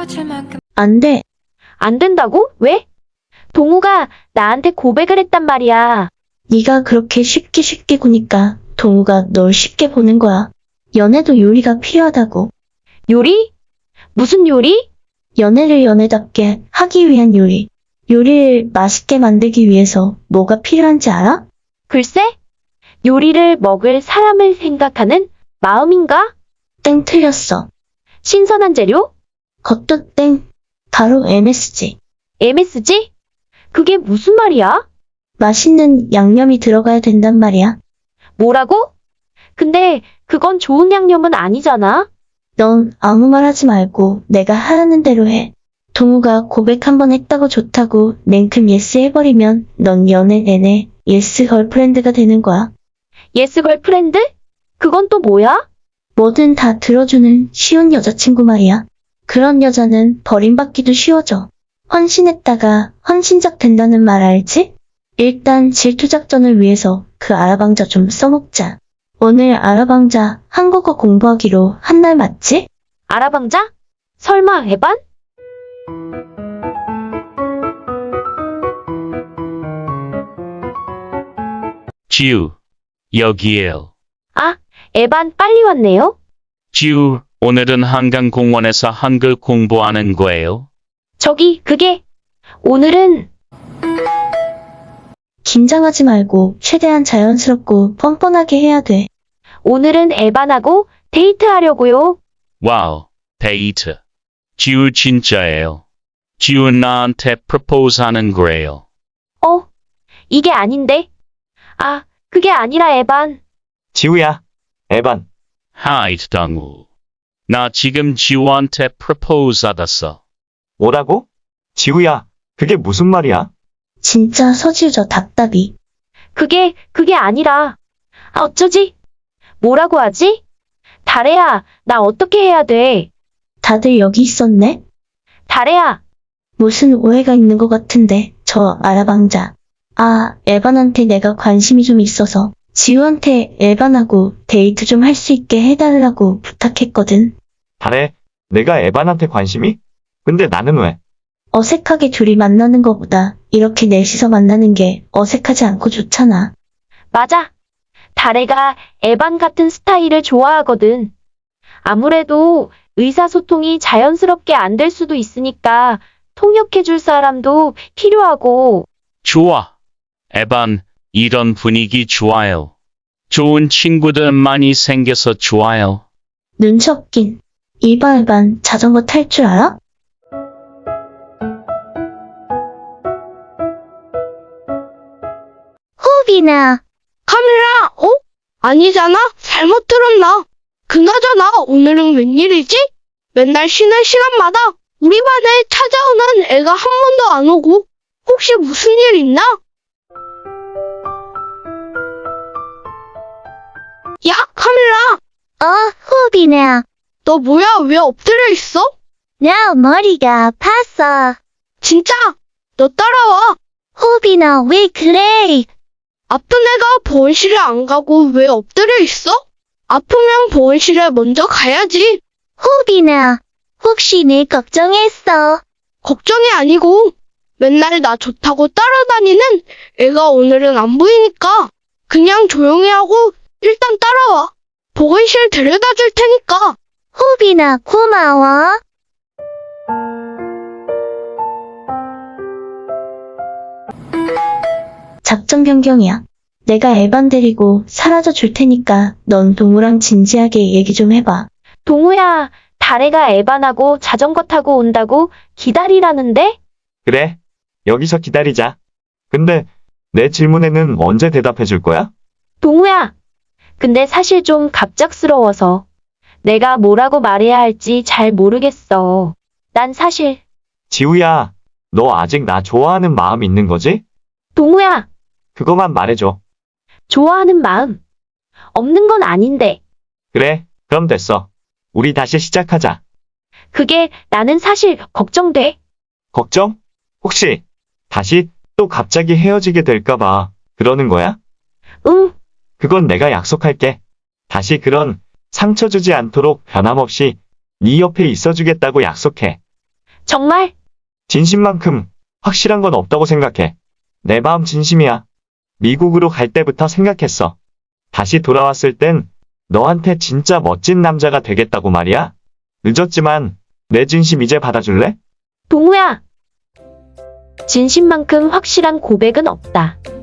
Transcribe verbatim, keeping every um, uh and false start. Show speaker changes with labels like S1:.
S1: 안 돼.
S2: 안 된다고? 왜? 동우가 나한테 고백을 했단 말이야.
S1: 네가 그렇게 쉽게 쉽게 구니까 동우가 널 쉽게 보는 거야. 연애도 요리가 필요하다고.
S2: 요리? 무슨 요리?
S1: 연애를 연애답게 하기 위한 요리. 요리를 맛있게 만들기 위해서 뭐가 필요한지 알아?
S2: 글쎄? 요리를 먹을 사람을 생각하는 마음인가?
S1: 땡 틀렸어.
S2: 신선한 재료?
S1: 그것도 땡. 바로 엠에스지.
S2: 엠에스지? 그게 무슨 말이야?
S1: 맛있는 양념이 들어가야 된단 말이야.
S2: 뭐라고? 근데 그건 좋은 양념은 아니잖아.
S1: 넌 아무 말 하지 말고 내가 하라는 대로 해. 동우가 고백 한 번 했다고 좋다고 냉큼 예스 해버리면 넌 연애 내내 예스 걸프렌드가 되는 거야.
S2: 예스 걸프렌드? 그건 또 뭐야?
S1: 뭐든 다 들어주는 쉬운 여자친구 말이야. 그런 여자는 버림받기도 쉬워져. 헌신했다가 헌신작 된다는 말 알지? 일단 질투작전을 위해서 그 아라방자 좀 써먹자. 오늘 아라방자 한국어 공부하기로 한 날 맞지?
S2: 아라방자? 설마 에반?
S3: 지우, 여기에요.
S2: 아, 에반 빨리 왔네요.
S3: 지우, 오늘은 한강공원에서 한글 공부하는 거예요?
S2: 저기, 그게, 오늘은,
S1: 긴장하지 말고 최대한 자연스럽고 뻔뻔하게 해야 돼.
S2: 오늘은 에반하고 데이트하려고요.
S3: 와우, 데이트. 지우 진짜예요. 지우 나한테 프로포즈 하는 거예요.
S2: 어, 이게 아닌데. 아, 그게 아니라 에반.
S4: 지우야, 에반.
S3: 하이, 당우. 나 지금 지우한테 프로포즈 받았어.
S4: 뭐라고? 지우야, 그게 무슨 말이야?
S1: 진짜 서지우저 답답이.
S2: 그게, 그게 아니라. 아, 어쩌지? 뭐라고 하지? 다래야, 나 어떻게 해야 돼?
S1: 다들 여기 있었네?
S2: 다래야,
S1: 무슨 오해가 있는 것 같은데 저 아라방자. 아, 에반한테 내가 관심이 좀 있어서 지우한테 에반하고 데이트 좀 할 수 있게 해달라고 부탁했거든.
S4: 다래, 내가 에반한테 관심이? 근데 나는 왜?
S1: 어색하게 둘이 만나는 것보다 이렇게 넷이서 만나는 게 어색하지 않고 좋잖아.
S2: 맞아. 다래가 에반 같은 스타일을 좋아하거든. 아무래도 의사소통이 자연스럽게 안 될 수도 있으니까 통역해줄 사람도 필요하고.
S3: 좋아. 에반, 이런 분위기 좋아요. 좋은 친구들 많이 생겨서 좋아요.
S1: 눈치 없긴. 이반 에반 자전거 탈 줄 알아?
S5: 호비나. 카메라, 어? 아니잖아? 잘못 들었나? 그나저나 오늘은 웬일이지? 맨날 쉬는 시간마다 우리 반에 찾아오는 애가 한 번도 안 오고 혹시 무슨 일 있나? 야, 카메라!
S6: 어, 호비나.
S5: 너 뭐야? 왜 엎드려 있어?
S6: 나 머리가 아팠어.
S5: 진짜? 너 따라와.
S6: 호비나, 왜 그래?
S5: 아픈 애가 보온실에 안 가고 왜 엎드려 있어? 아프면 보온실에 먼저 가야지.
S6: 호비나, 혹시 내 걱정했어?
S5: 걱정이 아니고 맨날 나 좋다고 따라다니는 애가 오늘은 안 보이니까 그냥 조용히 하고 일단 따라와. 보건실 데려다 줄 테니까.
S6: 호비나, 고마워.
S1: 작전 변경이야. 내가 에반 데리고 사라져 줄 테니까 넌 동우랑 진지하게 얘기 좀 해봐.
S2: 동우야, 다래가 에반하고 자전거 타고 온다고 기다리라는데?
S4: 그래, 여기서 기다리자. 근데 내 질문에는 언제 대답해 줄 거야?
S2: 동우야, 근데 사실 좀 갑작스러워서 내가 뭐라고 말해야 할지 잘 모르겠어. 난 사실,
S4: 지우야, 너 아직 나 좋아하는 마음 있는 거지?
S2: 동우야,
S4: 그거만 말해줘.
S2: 좋아하는 마음 없는 건 아닌데.
S4: 그래, 그럼 됐어. 우리 다시 시작하자.
S2: 그게 나는 사실 걱정돼.
S4: 걱정? 혹시 다시 또 갑자기 헤어지게 될까봐 그러는 거야?
S2: 응,
S4: 그건 내가 약속할게. 다시 그런 상처 주지 않도록 변함없이 네 옆에 있어주겠다고 약속해.
S2: 정말?
S4: 진심만큼 확실한 건 없다고 생각해. 내 마음 진심이야. 미국으로 갈 때부터 생각했어. 다시 돌아왔을 땐 너한테 진짜 멋진 남자가 되겠다고 말이야. 늦었지만 내 진심 이제 받아줄래?
S2: 동우야! 진심만큼 확실한 고백은 없다.